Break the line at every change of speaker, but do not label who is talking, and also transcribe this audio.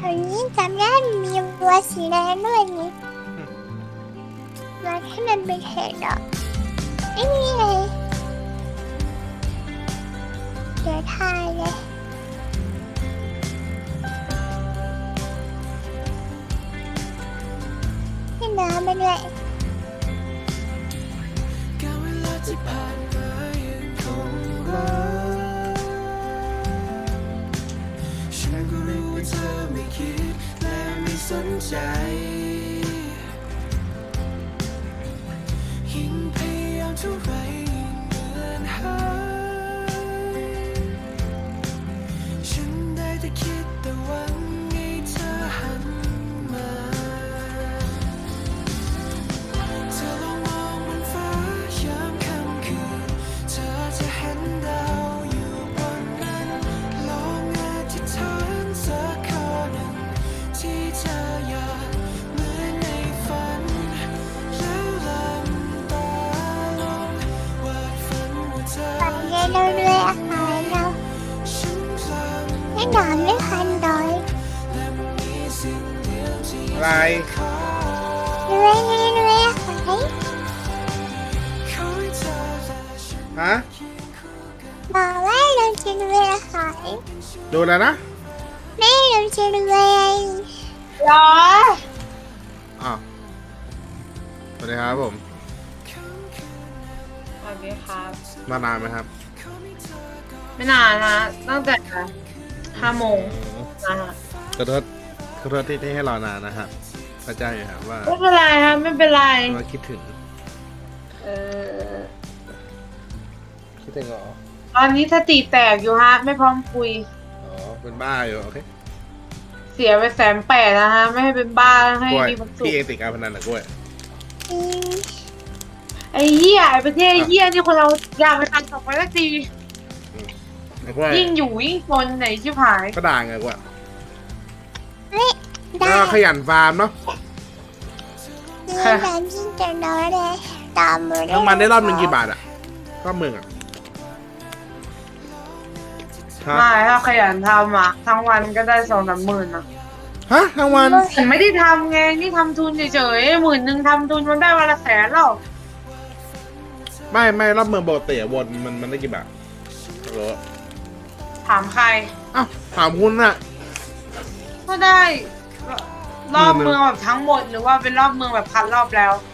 ถวนี้จำได้มีวัวสีแดงด้วยนี่วัวที่มันเป็นเห็ดอ่ะไม่มีเลยเดี๋ยวทายเลยให้น้ำไปด้วย
ฉันก็รู้ว่าเธอไม่คิดและไม่สนใจยิ่งพยายามเท่าไรยิ่งเหมือนหายฉันได้แต่คิดแต่หวังให้เธอหันมาเธอลองมองบนฟ้ายามค่ำคืนเธอจะเห็นดาวอยู่บนนั้นลองอธิษฐานสักข้อหนึ่งที่เธออยากเหมือนในฝันแล้วลืมตาลงวาดฝันว่าเธอ
ฝันเย็นเราเรื่อยอาหารเรา
ฉันพลัง
ให้นอนไม่คันดอย
และมีสิ่งเดียวที่
อะไร
ขอ
เรื่อยอาหาร
ขอให้เธอและฉัน
ฮะ
บอกว่าเราจะเรื่อยอาหาร
ดูแล้วนะ
ไม่เราจะเรื่อย
หรอ
อ้าวสวัสดีครับผม
สวัสดีครับ
มานานไหมครับ
ไม่นานนะตั้งแต่5 โมงนะฮะ
ขอโทษที่ให้รอนานนะครับเข้าใจอยู่ครับว่า
ไม่เป็นไรครับไม่เป็นไร
ว่าคิดถึง
เออ
คิดถึงเหรอ
ตอนนี้สติแตกอยู่ฮะ ไม่พร้อมคุย
อ๋อเป็นบ้าอยู่โอเค
เสียไป180,000นะฮะ ไม่ให้เป็นบ้าให้
กล้วย
มีความสุข
พี่เองติดการพนันเหรอกล้วย
อืม
ไอ้เหี้ยไอ้ประเทศเหี้ยนี่คนเราอยากไปทันต่อไปสักที
ไอ้กล้วย
ยิ่งอยู่ยิ่งจนไหนชิบหาย
ก็ด่าไงกล้วย
ได้
แล้วขยันฟาร์มเนาะ
เรื่องการที่จะนอนเลยตามมือ
ทั้งมันได้รอบหนึ่งกี่บาทอะรอบหมื่นอะฮะ
ไม่ถ้าขยันทำอ่ะ ทั้งวันก็ได้2-3 หมื่นนะ
ฮะทั้งวัน
แต่ไม่ได้ทำไงนี่ทำทุนเฉยๆ10,000ทำทุนมันได้วันละ100,000หรอก
ไม่รอบเมืองโบเตะวนมันได้กี่บาทฮัลโหล
ถามใคร
อ้าวถามคุณน่ะ
ก็ได้ รอบเมืองแบบทั้งหมดหรือว่าเป็นรอบเมืองแบบพันรอบแล้ว